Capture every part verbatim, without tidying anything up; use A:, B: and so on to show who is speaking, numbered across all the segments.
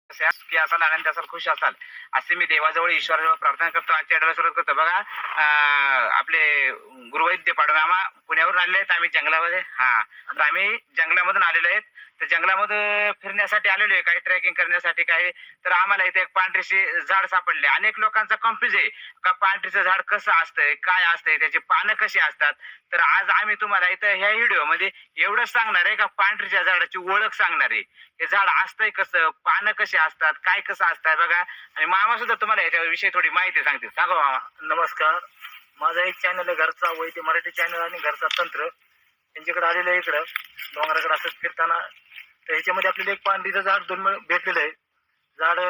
A: की असाल आनंद असाल खुश असाल असे मी देवाजवळ ईश्वराजवळ प्रार्थना करतो. आजच्या आठवड्याला सुरुवात करतो. बघा आपले गुरुवैद्य पाडोमामा पुण्यावरून आलेले आहेत. आम्ही जंगलामध्ये हा तर आम्ही जंगलामधून आलेलो आहेत. तर जंगलामध्ये फिरण्यासाठी आलेलो आहे, काही ट्रेकिंग करण्यासाठी काही. तर आम्हाला इथे एक पांढरीशी झाड सापडले. अनेक लोकांचा कन्फ्युज आहे का पांढरीचं झाड कसं असतंय, काय असतंय, त्याची पानं कशी असतात. तर आज आम्ही तुम्हाला इथं ह्या व्हिडिओ मध्ये एवढंच सांगणार आहे का पांढरीच्या झाडाची ओळख सांगणार आहे. हे झाड असतंय कसं, पानं कशी असतात, काय कसं असतात बघा. आणि मामा सुद्धा तुम्हाला याच्याविषयी थोडी माहिती सांगतील. सांगा मामा.
B: नमस्कार. माझा एक चॅनल आहे घरचा वैद्य मराठी चॅनल आणि घरचा तंत्र. त्यांच्याकडे आलेलं आहे इकडं डोंगराकडे असंच फिरताना. तर ह्याच्यामध्ये आपल्याला एक पांढरीचं झाड दोन भेटलेलं आहे. झाड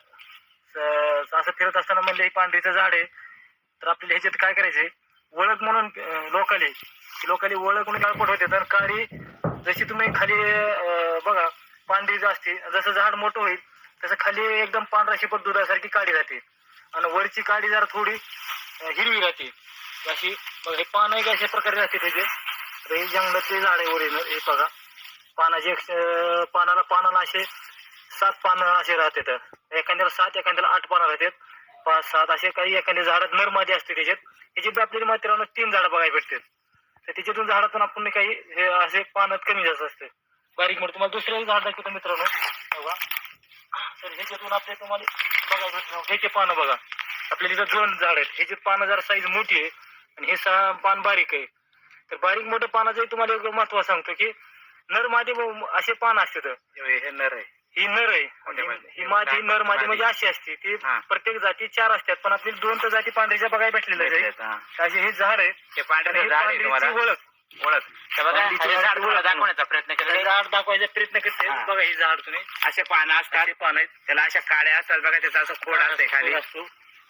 B: असं फिरत असताना म्हणजे हे पांढरीचं झाड आहे. तर आपल्याला ह्याच्यात काय करायचंय, ओळख म्हणून लोकली लोकली ओळख म्हणून काळपट होते. तर काळी जशी तुम्ही खाली बघा पांढरी असते, जसं झाड मोठं होईल तसं खाली एकदम पांढरा शिपट दुधासारखी काळी राहते आणि वरची काळी जरा थोडी हिरवी राहते अशी. बघा हे पान एक अशा प्रकारे राहते त्याचे. तर हे जंगलातले झाड आहे ओरिजिनल. हे बघा पानाचे पानाला पानाला असे सात पानं असे राहतात. एखाद्याला सात एखाद्याला आठ पानं राहतात, पाच सात असे. काही एखाद्या झाडात नरमादी असते त्याच्यात. त्याची आपल्याला मात्र तीन झाडं बघायला भेटतात. तर त्याच्यातून झाडातून आपण काही हे असे पानात कमी जास्त असते बारीक मोठं. तुम्हाला दुसरं झाड दाखवतो मित्रांनो बघा. तर ह्याच्यातून आपल्या तुम्हाला बघायला भेटणार ह्याचे पानं बघा. आपल्याला इथं दोन झाड आहेत. ह्याची पानं जरा साईज मोठी आहे आणि हे सहा पान बारीक आहे. तर बारीक मोठं पानाचं तुम्हाला एक महत्व सांगतो की नर मादी असे पान असतात.
A: हे नर आहे,
B: ही नर आहे. ही मादी नर मादी म्हणजे अशी असते ती. प्रत्येक जाती चार असतात पण आपली दोन तर जाती पांढरीच्या बघायला भेटलेल्या आहेत. असे हे झाड आहे.
A: हे पांढरे झाड आहे तुम्हाला
B: ओळख
A: ओळख दाखवण्याचा प्रयत्न केला.
B: झाड दाखवायचा प्रयत्न करते. बघा हे झाड तुम्ही
A: असे पानं असतात, पान आहेत त्याला अशा काड्या असतात बघा. त्याचा असं खोड असते खाली
B: असतो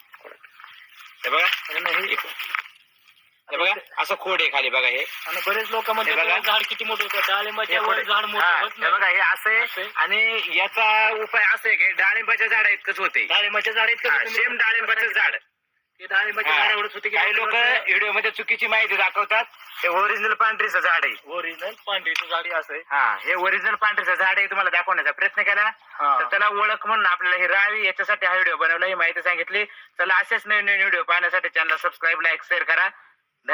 A: हे बघा. हे बघा असं खोड आहे खाली बघा. हे
B: आणि बरेच लोक म्हणजे बघा झाड किती मोठं होतं, डाळिंबाच्या वर झाड मोठं होत नाही
A: बघा. हे असं आणि याचा उपाय असं आहे की डाळिंबाच्या झाडा इतकंच होते.
B: डाळिंबाच्या झाड इतकं
A: सेम डाळिंबाचं झाड
B: ते डाळिंबाच्या झाड एवढंच होते की
A: काही लोक व्हिडिओ मध्ये चुकीची माहिती दाखवतात. हे ओरिजिनल पांढरीचं झाड आहे.
B: ओरिजिनल पांढरीचं झाड असं आहे.
A: हा हे ओरिजिनल पांढरीचं झाड आहे. तुम्हाला दाखवण्याचा प्रयत्न केला तर त्याला ओळख म्हणून आपल्याला ही राहावी याच्यासाठी हा व्हिडिओ बनवला, ही माहिती सांगितली. चला असेच नवीन नवीन व्हिडिओ पाहण्यासाठी चॅनल सबस्क्राईब, लाईक, शेअर करा.